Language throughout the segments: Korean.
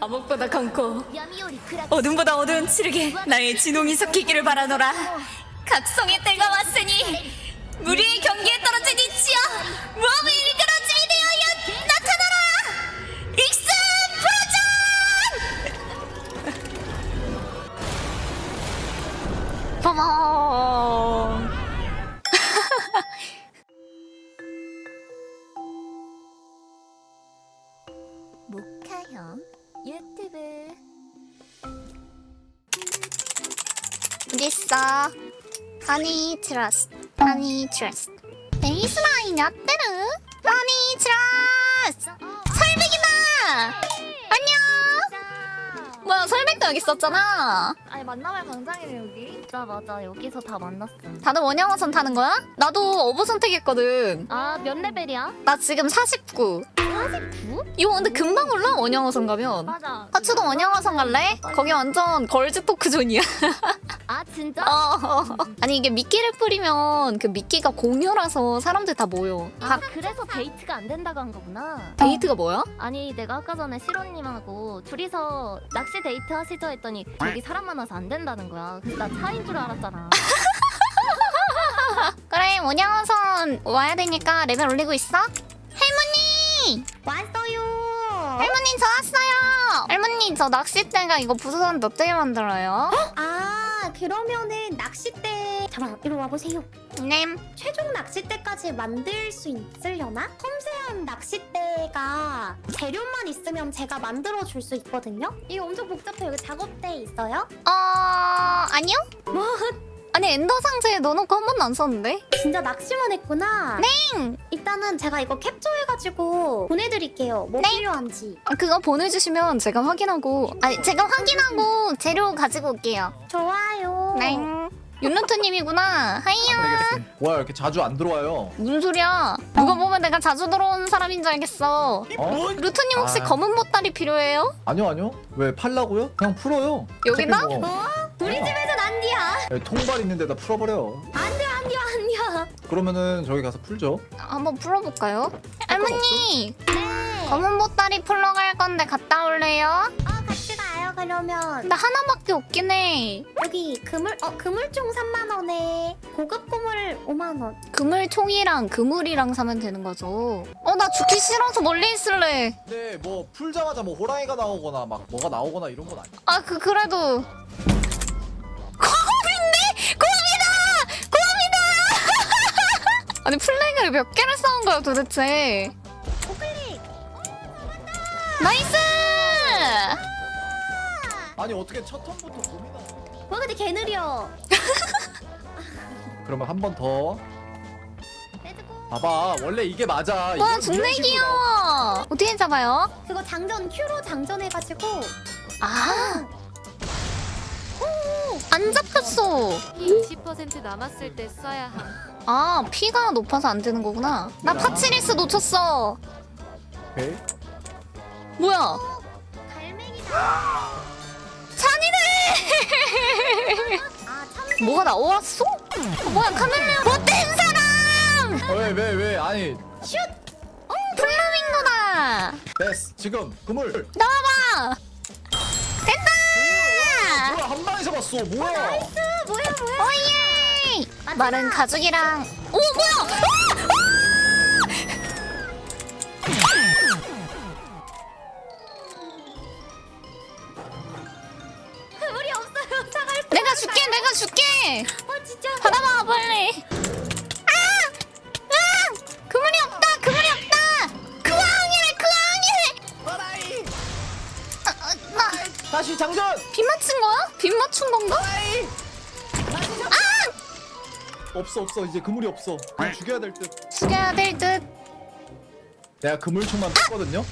암흑보다 검고 어둠보다 어두운 칠흑에 나의 진홍이 섞이기를 바라노라. 각성의 때가 왔으니 무리의 경기에 떨어진 이치여 모험을 이끌어주이 되어여 나타나라. 익스 프로전. 빠밤. 모카형 유튜브 어딨어? 허니 트러스트 허니 트러스트 베이스라인 야떼르 허니 트러스트 설백이다. 안녕. 뭐야 설백도 여기 있었잖아. 아니 만남의 광장이네 여기. 맞아 여기서 다 만났어. 다들 원양어선 타는 거야? 나도 어부 선택했거든. 아 몇 레벨이야? 나 지금 49. 49? 이거 근데 금방 올라 원양어선 가면. 맞아. 하츠도 원양어선 갈래? 거기 완전 걸즈 토크 존이야. 아 진짜? 아니 이게 미끼를 뿌리면 그 미끼가 공유라서 사람들 다 모여. 아 그래서 데이트가 안 된다고 한 거구나. 데이트가 뭐야? 아니 내가 아까 전에 시로님하고 둘이서 낚시 데이트 하시죠 했더니 여기 사람 많아서 안 된다는 거야. 그래서 나 차인 줄 알았잖아. 그래 원양어선 와야 되니까 레벨 올리고 있어. 할머니! 왔어요. 할머니 저 왔어요. 할머니 저 낚싯대가 이거 부서졌는데 어떻게 만들어요? 아 그러면은 낚싯대 잠깐 이리 와보세요. 네. 최종 낚싯대까지 만들 수 있으려나? 섬세한 낚싯대가 재료만 있으면 제가 만들어 줄 수 있거든요. 이거 엄청 복잡해요. 여기 작업대 있어요? 아니요? 뭐? 아니 엔더 상자에 넣어놓고 한 번도 안 썼는데? 진짜 낚시만 했구나. 네. 일단은 제가 이거 캡처해가지고 보내드릴게요. 뭐 네. 필요한지. 그거 보내주시면 제가 확인하고 아니 제가 확인하고 재료 가지고 올게요. 좋아요. 네. 윤루트님이구나. 하이요. 알겠습니다. 와 이렇게 자주 안 들어와요. 무슨 소리야? 누가 보면 내가 자주 들어오는 사람인 줄 알겠어. 어? 루트님 혹시 아. 검은 보따리 필요해요? 아니요. 왜 팔라고요? 그냥 풀어요. 여기다? 어차피 뭐, 우리 집에선 안디야. 통발 있는 데다 풀어버려. 안디야. 그러면은 저기 가서 풀죠. 한번 풀어볼까요? 할머니! 검은 보따리 풀러 갈 건데 갔다 올래요? 같이 가요 그러면. 근데 하나밖에 없긴 해. 여기 그물총 3만 원에 고급 고물 5만 원. 그물총이랑 그물이랑 사면 되는 거죠. 나 죽기 싫어서 멀리 있을래. 근데 뭐 풀자마자 뭐 호랑이가 나오거나 막 뭐가 나오거나 이런 건 아니야. 그래도. 곰인데? 곰이다! 아니 플래그를 몇 개를 쌓은 거야 도대체. 오클릭. 나이스! 아니 어떻게 첫 턴부터 곰이나? 와 근데 개 느려. 그러면 한 번 더. 렛츠고. 봐봐 원래 이게 맞아. 와 이런 존나 식으로 귀여워. 어떻게 잡아요? 그거 장전 큐로 장전해가지고. 안 잡혔어. 20% 남았을 때 써야 함. 피가 높아서 안 되는 거구나. 나 파치리스 놓쳤어. 오케이. 뭐야? 갈매기다. 잔이네. 참. 뭐가 나왔어? 뭐야 카멜레온 못된 사람. 왜 아니 플라밍고다. 됐어 지금 그물. 나와봐. 됐다. 뭐야 한 방에 잡았어. 뭐야? 뭐야. 오예. 마른 가죽이랑. 오 뭐야? 그물이 없어요. 차갈. 내가 줄게. 진짜. 받아봐 빨리. 그물이 없다. 그왕이래. 나 다시 장전. 빗 맞춘 거야? 빗 맞춘 건가? 없어 이제 그물이 없어. 그냥 죽여야 될 듯. 죽여야 될 듯. 내가 그물총만 뺐거든요.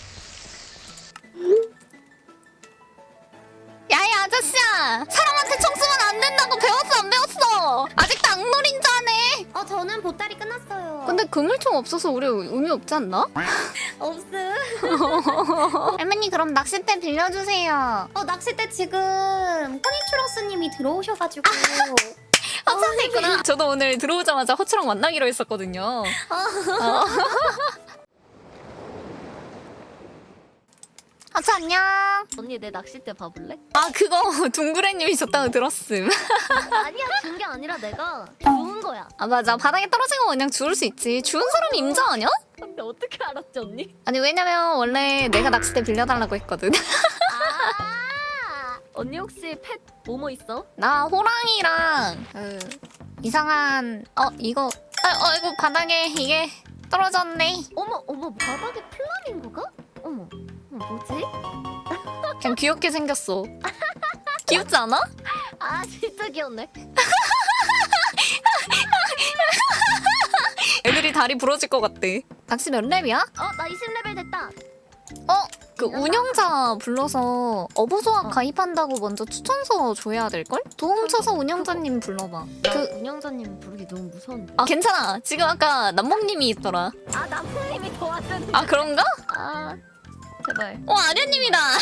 야이 아저씨야. 사람한테 총 쏘면 안 된다고 배웠어 안 배웠어? 아직도 악놀인 줄 아네. 저는 보따리 끝났어요. 근데 그물총 없어서 우리 의미 없지 않나? 없음. 할머니 그럼 낚싯대 빌려주세요. 낚싯대 지금 허니츄러스님이 들어오셔가지고. 합쳐서 있구나. 저도 오늘 들어오자마자 허추랑 만나기로 했었거든요. 하츠 안녕. 언니 내 낚싯대 봐볼래? 아 그거 둥그레님이 줬다고 들었음. 아니야 준 게 아니라 내가 좋은 거야. 아 맞아 바닥에 떨어진 거 그냥 주울 수 있지. 주운 사람이 임자 아니야? 근데 어떻게 알았지 언니? 아니 왜냐면 원래 내가 낚싯대 빌려달라고 했거든. 아 언니 혹시 펫 뭐뭐 있어? 나 호랑이랑 그 이상한 이거 이거 바닥에 이게 떨어졌네. 어머 바닥에 플라밍고가? 어머 뭐지? 그냥 귀엽게 생겼어. 귀엽지 않아? 아 진짜 귀엽네. 애들이 다리 부러질 것 같대. 낚시 몇 렙이야? 나 20레벨 됐다. 그 운영자 불러서 어부소학 가입한다고 먼저 추천서 줘야 될걸? 도움 쳐서 운영자님 불러봐. 그 운영자님 부르기 너무 무서운데. 아 괜찮아. 지금 아까 남몽님이 있더라. 아 남편님이 도와준. 아 그런가? 아 제발. 아련님이다. 야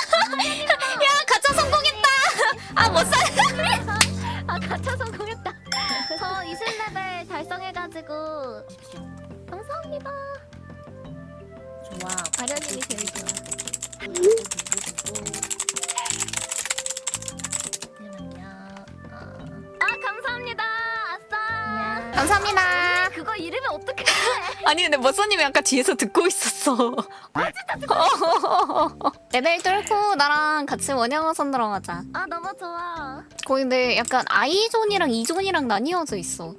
가차 성공했다. 못 살. 아 가차 성공했다. 저 20레벨 달성해가지고. 감사합니다. 좋아. 가련님이 제일 좋아. 감사합니다. 아싸. 감사합니다. 그거 이름이 어떻게? 아니 근데 머서님이 아까 뒤에서 듣고 있었어. 레벨 뚫고 나랑 같이 원양어선 들어가자. 아 너무 좋아. 거기 근데 약간 I존이랑 E존이랑 나뉘어져 있어.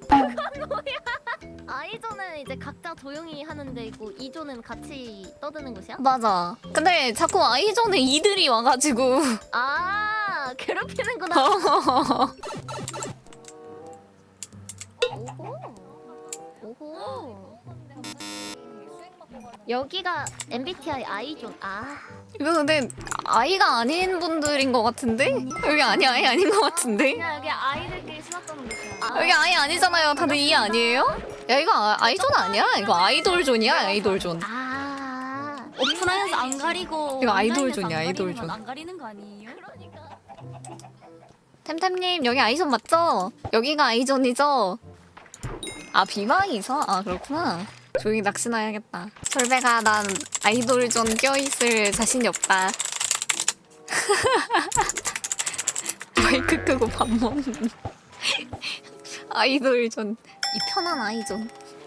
아이존은 이제 각자 조용히 하는 데이고 이존은 같이 떠드는 곳이야? 맞아. 근데 자꾸 I존에 이들이 와가지고. 아 괴롭히는구나. 오호. 여기가 MBTI 아이존. 이거 근데 아이가 아닌 분들인 것 같은데? 여기 아이 아닌 것 같은데? 그냥 여기 아이들끼리 신었던 곳이야. 여기 아이 아니잖아요. 다들 이 아니에요? 야 이거 아이존 아니야? 이거 아이돌존이야 아이돌존. 오프라인에서 안 가리고 이거 온라인에서 아이돌존이야, 안 가리는 아이돌존. 건 안 가리는 거 아니에요? 그러니까. 템템님 여기 아이존 맞죠? 여기가 아이존이죠? 아 비방이서? 아 그렇구나. 조용히 낚시나 해야겠다. 설배가 난 아이돌존 껴있을 자신이 없다. 마이크 끄고 밥 먹는 아이돌존. 이 편한 아이존.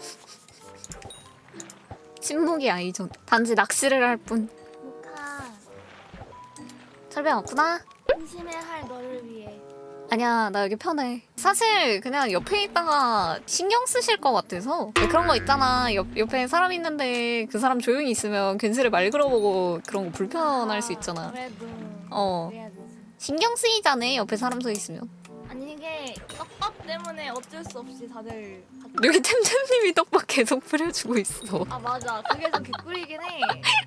침묵의 아이존. 단지 낚시를 할 뿐. 모카 설배 없구나? 심심해 할 너를 위해. 아니야 나 여기 편해. 사실 그냥 옆에 있다가 신경 쓰실 것 같아서 그런 거 있잖아. 옆에 사람 있는데 그 사람 조용히 있으면 괜스레 말 걸어보고 그런 거 불편할 수 있잖아. 그래도 그래야 되지. 신경 쓰이잖아 옆에 사람 서 있으면. 아니 이게 떡밥 때문에 어쩔 수 없이 다들 여기 템템님이 떡밥 계속 뿌려주고 있어. 아 맞아 그게 좀 개꿀이긴 해.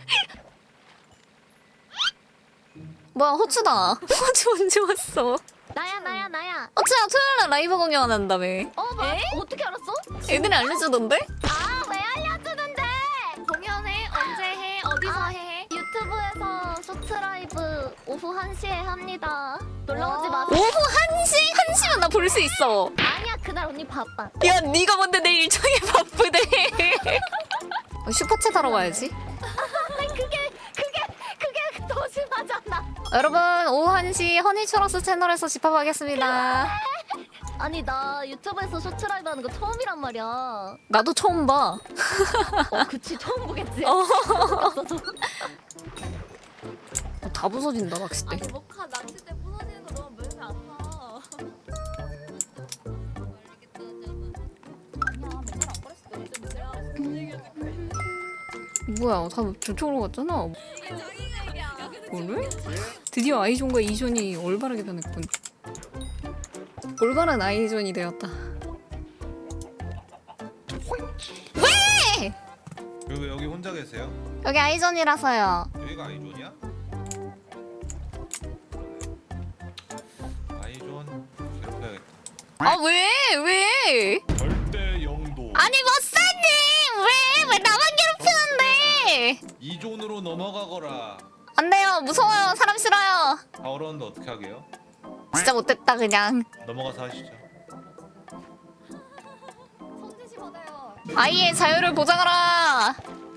뭐야 호추다. 호추 언제 왔어? 나야. 호추야 토요일날 라이브 공연한다며. 맞아. 어떻게 알았어? 애들이 알려주던데? 왜 알려주는데? 공연해? 언제 해? 어디서 해? 유튜브에서 쇼트 라이브 오후 1시에 합니다. 놀러오지 마세요. 오후 1시? 1시면 나 볼 수 있어. 아니야 그날 언니 바빠. 야 네가 뭔데 내 일정이 바쁘대. 슈퍼챗 하러 가야지. 그게 더 심하잖아. 여러분 오후 1시 허니츄러스 채널에서 집합하겠습니다. 아니 나 유튜브에서 쇼트 라이브 하는 거 처음이란 말이야. 나도 처음 봐. 그치 처음 보겠지. 다 부서진다 낚싯대. 아니 모카 낚싯대 부서지는 거 너무 몸에 아파. 아니야 맨날 안 그랬어. 요즘 내가 뭐야 다 저쪽으로 갔잖아. 뭐래? 드디어 아이존과 이존이 올바르게 변했군. 올바른 아이존이 되었다. 왜? 왜 여기 혼자 계세요? 여기 아이존이라서요. 여기가 아이존이야? 아이존 괴롭혀야겠다. 아 왜? 왜? 절대 영도. 아니 머싸님 왜 나만 괴롭히는데? 이존으로 넘어가거라. 안 돼요. 무서워요. 사람 싫어요. 다 어려운데 어떻게 하게요? 진짜 못됐다 그냥. 넘어가서 하시죠. 손짓이 받아요. 아이의 자유를 보장하라.